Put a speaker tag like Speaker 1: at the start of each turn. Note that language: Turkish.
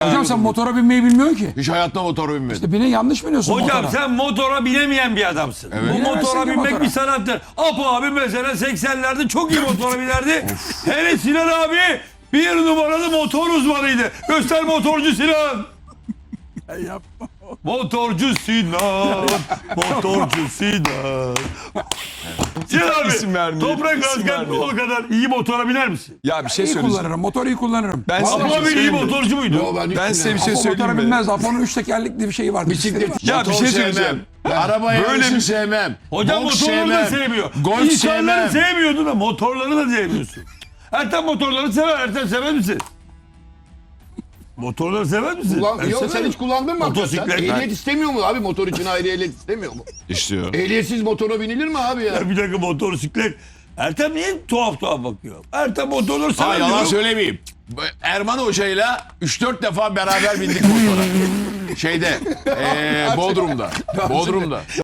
Speaker 1: Hocam sen motora binmeyi bilmiyorsun ki.
Speaker 2: Hiç hayatta motora binmedim.
Speaker 1: İşte yanlış biniyorsun
Speaker 3: Hocam
Speaker 1: motora.
Speaker 3: sen motora binemeyen bir adamsın.
Speaker 2: Evet.
Speaker 3: Bu
Speaker 1: Binemezsin
Speaker 3: motora
Speaker 1: ki
Speaker 3: binmek
Speaker 1: motora.
Speaker 3: bir sanattır. Apo abi mesela 80'lerde çok iyi motora binerdi. Hele Sinan abi bir numaralı motor uzmanıydı. Göster motorcu Sinan.
Speaker 1: Yapma.
Speaker 3: Motorcu Sinan. Motorcu Sinan. Sinan
Speaker 4: İsim
Speaker 3: abi
Speaker 4: vermeyelim,
Speaker 3: toprak
Speaker 4: isim
Speaker 3: asken
Speaker 4: vermeyelim.
Speaker 3: o kadar iyi motora biner misin?
Speaker 4: Ya bir şey
Speaker 1: İyi
Speaker 4: söyleyeceğim.
Speaker 1: kullanırım. Motoru iyi kullanırım.
Speaker 4: Ben size
Speaker 3: Apo
Speaker 4: bir şey
Speaker 3: abi iyi
Speaker 4: söyleyeyim mi?
Speaker 3: motorcu muydu?
Speaker 2: Yo, hiç
Speaker 4: Ben size bir
Speaker 2: bilemem.
Speaker 4: şey
Speaker 1: Apo
Speaker 4: söyleyeyim
Speaker 1: motora
Speaker 4: mi?
Speaker 1: binmez. Apo'nun 3 tekerlekli bir şeyi var.
Speaker 2: Bisiklet.
Speaker 4: Ya bir
Speaker 2: motor
Speaker 4: şey
Speaker 2: sevmem.
Speaker 4: söyleyeceğim.
Speaker 2: Araba
Speaker 4: Böyle
Speaker 2: yarışı
Speaker 4: bir-
Speaker 2: sevmem.
Speaker 3: Hocam
Speaker 2: Boks
Speaker 3: motorları da
Speaker 2: sevmem.
Speaker 3: sevmiyor.
Speaker 2: Golf
Speaker 3: İnsanları
Speaker 2: sevmem.
Speaker 3: sevmiyordu da motorları da sevmiyorsun. Ertem motorları sever. Ertem sever misin? Motorları sever misin? Ben
Speaker 2: Yok sen
Speaker 3: severim.
Speaker 2: hiç kullandın mı?
Speaker 3: Motosiklet.
Speaker 2: hakikaten? Ehliyet istemiyor mu abi? Motor için ayrı ehliyet istemiyor mu?
Speaker 4: İstiyor.
Speaker 2: Ehliyetsiz motora binilir mi abi ya?
Speaker 3: Ya bir dakika motosiklet. Ertem niye tuhaf bakıyor? Ertem motorları sever
Speaker 2: Ha, yalan
Speaker 3: diyorum.
Speaker 2: söylemeyeyim. Erman Hoca'yla 3-4 defa beraber bindik motora. Şeyde, Bodrum'da.